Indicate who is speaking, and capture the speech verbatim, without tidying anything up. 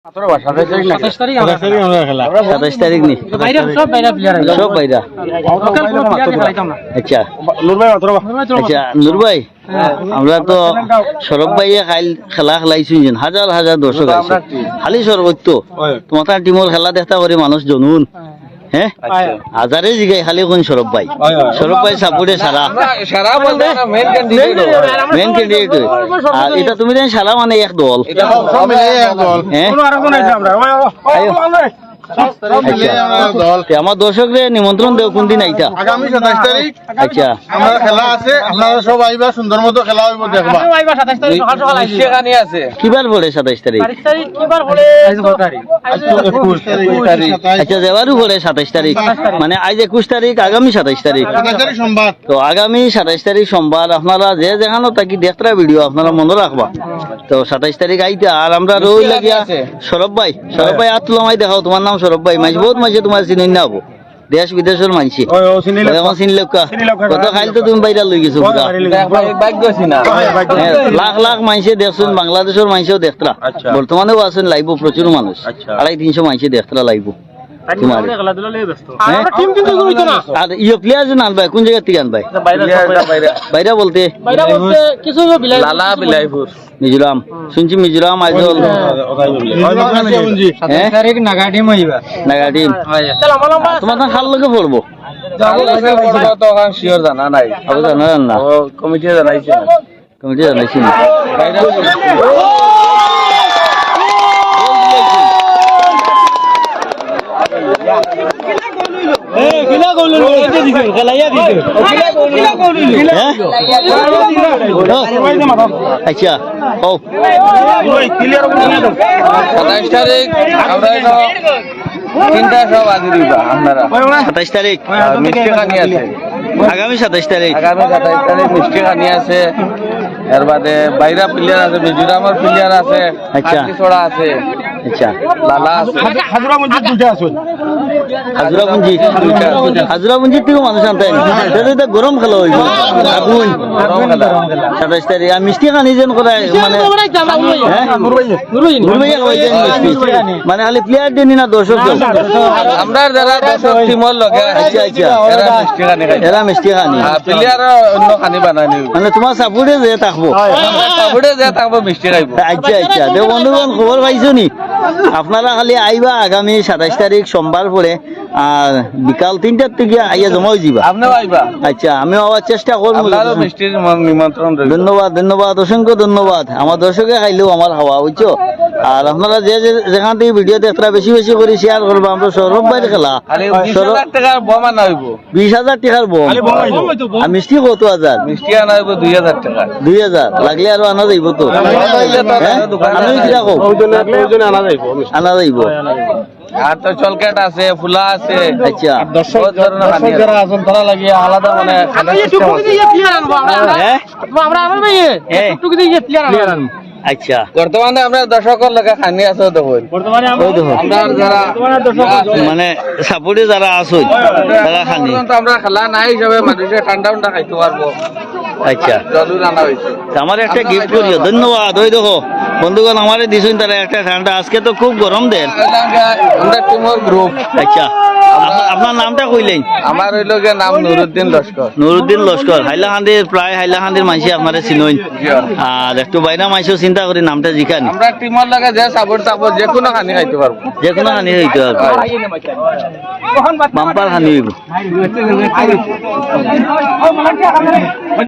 Speaker 1: সাতাশ তারিখ নি সব বাইরা আচ্ছা আচ্ছা নূর ভাই আমরা তো সরব ভাইয়ে খাইল খেলা খেলাইছি হাজার হাজার দর্শক আছে খালি সর্বোচ্চ তোমার টিমর খেলা দেখতে করে মানুষ জনুন হ্যাঁ হাজারে জিগাই খালি কোন সরব ভাই সরব ভাই সাপোর্টে সারা
Speaker 2: সারা বলতে মেইন ক্যান্ডিডেট
Speaker 1: মেইন ক্যান্ডিডেট আর এটা তুমি জানেন সারা মানে এক দল আমার দর্শকরে নিমন্ত্রণ দেও কোন দিন আইতা
Speaker 3: আগামী সাতাশ তারিখ
Speaker 1: আচ্ছা
Speaker 3: আমরা খেলা আছে আপনারা সব আইবা সুন্দর মতো খেলা হইব দেখবা
Speaker 1: কিবার পড়ে সাতাইশ তারিখ আচ্ছা দেওয়ারও পড়ে সাতাইশ তারিখ মানে আজ একুশ তারিখ আগামী সাতাইশ তারিখ
Speaker 3: সোমবার
Speaker 1: তো আগামী সাতাইশ তারিখ সোমবার আপনারা যে যেখানে থাকি দেখরা ভিডিও আপনারা মনে রাখবা তো সাতাইশ তারিখ আইতা আর আমরা রই লাগিয়া সরব ভাই সরব ভাই আর তুলামাই দেখাও তোমার নাম সরব ভাই মাঝে বহুত মাঝে তোমার চিনি না হবো দেশ বিদেশের মানছি এখন চিনলে কত খাইল তো তুমি বাইরে লই গেছো লাখ লাখ মানছে দেখছেন বাংলাদেশের মানছেও দেখতরা বর্তমানেও আছেন লাইভ প্রচুর মানুষ আড়াই তিনশো মানছে দেখতরা লাইভ তোমার আর ইয়ে প্লেয়ার যে আনবাই কোন জায়গা থেকে আনবাই বাইরে বলতে মিজোরাম শুনছি মিজোরাম আইজল নাগাটিম তোমার খাল লোকে পড়বো
Speaker 2: জানা নাই
Speaker 1: জানা না
Speaker 2: কমিটি জানাইছে
Speaker 1: কমিটি জানাইছি না আচ্ছা ও
Speaker 2: সাতাইশ তারিখ তিনটা সব আজি দিবা আপনারা
Speaker 1: সাতাইশ তারিখ
Speaker 2: মিষ্টি খানি আছে
Speaker 1: আগামী সাতাইশ তারিখ
Speaker 2: আগামী সাতাইশ তারিখ মিষ্টি খানি আছে এর বাদে বাইরা প্লেয়ার আছে মিজোরামের প্লেয়ার আছে
Speaker 1: আচ্ছা
Speaker 2: ছড়া আছে
Speaker 1: আচ্ছা
Speaker 2: লালা আছে
Speaker 3: হাজরা মসজিদ দুইটা আছে
Speaker 1: হাজরা পুঞ্জি হাজরা পুঞ্জি থেকে মানুষ আনতে এটা গরম খেলা হইব আগুন সাতাইশ তারিখ আর মিষ্টি খানি যেন করে মানে মানে খালি প্লেয়ার দিন না দর্শক
Speaker 2: আমরা যারা দর্শক টিমর লগে
Speaker 1: আচ্ছা আচ্ছা
Speaker 2: এরা মিষ্টি খানি খাই
Speaker 1: এরা মিষ্টি খানি
Speaker 2: প্লেয়ার অন্য খানি বানাই নিব
Speaker 1: মানে তোমার সাপোর্টে যে থাকবো
Speaker 2: সাপোর্টে যে থাকবো মিষ্টি খাইব
Speaker 1: আচ্ছা আচ্ছা দেব বন্ধুগণ খবর পাইছো নি আপনারা খালি আইবা আগামী সাতাইশ তারিখ সোমবার পরে আর বিকাল তিনটার থেকে আইয়া জমা হয়ে যাবা
Speaker 2: আপনিও আইবা
Speaker 1: আচ্ছা আমি আবার চেষ্টা করবো
Speaker 2: আপনারও মিষ্টির নিমন্ত্রণ রইল
Speaker 1: ধন্যবাদ ধন্যবাদ অসংখ্য ধন্যবাদ আমার দর্শকে খাইলেও আমার হাওয়া বুঝছো আর আপনারা যে যেখান থেকে ভিডিও দেখরা বেশি বেশি করে শেয়ার করবো আমরা সৌরভ ভাইয়ের খেলা বিশ হাজার টাকার বম আর মিষ্টি কত হাজার
Speaker 2: মিষ্টি আনা হইব দুই হাজার টাকা
Speaker 1: দুই হাজার লাগলে আরো আনা যাইব তো আমি কিরকম আনা যাইব
Speaker 2: আর তো চলকেট আছে ফুলা আছে
Speaker 1: আচ্ছা
Speaker 2: দর্শক যারা আছেন তারা লাগিয়ে আলাদা মানে
Speaker 1: আচ্ছা
Speaker 2: বর্তমানে আমরা দর্শকের লোকে খানি আছে দেখুন আমরা যারা
Speaker 1: মানে সাপোর্টে যারা আছে তারা খানি
Speaker 2: আমরা খেলা নাই হিসাবে মানুষে ঠান্ডা ঠান্ডা খাইতে পারবো
Speaker 1: আচ্ছা
Speaker 2: জলু রান্না হয়েছে
Speaker 1: আমার একটা গিফট করিও ধন্যবাদ ওই দেখো বন্ধুগণ আমারে দিছুন তারা একটা ঠান্ডা আজকে তো খুব গরম দেন
Speaker 2: আমরা টিমর গ্রুপ
Speaker 1: আচ্ছা আপনার নামটা কইলেন
Speaker 2: আমার হইল গিয়ে নাম নুরুদ্দিন লস্কর
Speaker 1: নুরুদ্দিন লস্কর হাইলাকান্দির প্রায় হাইলাকান্দির মাইসি আপনারা চিনইন আর একটু বাইনা মাইসিও চিন্তা করি নামটা জিখানি
Speaker 2: আমরা টিমর লাগে যে সাপোর্ট থাকবো যে কোনো খানি খাইতে পারবো
Speaker 1: যে কোনো খানি হইতে পারবো বাম্পার খানি হইব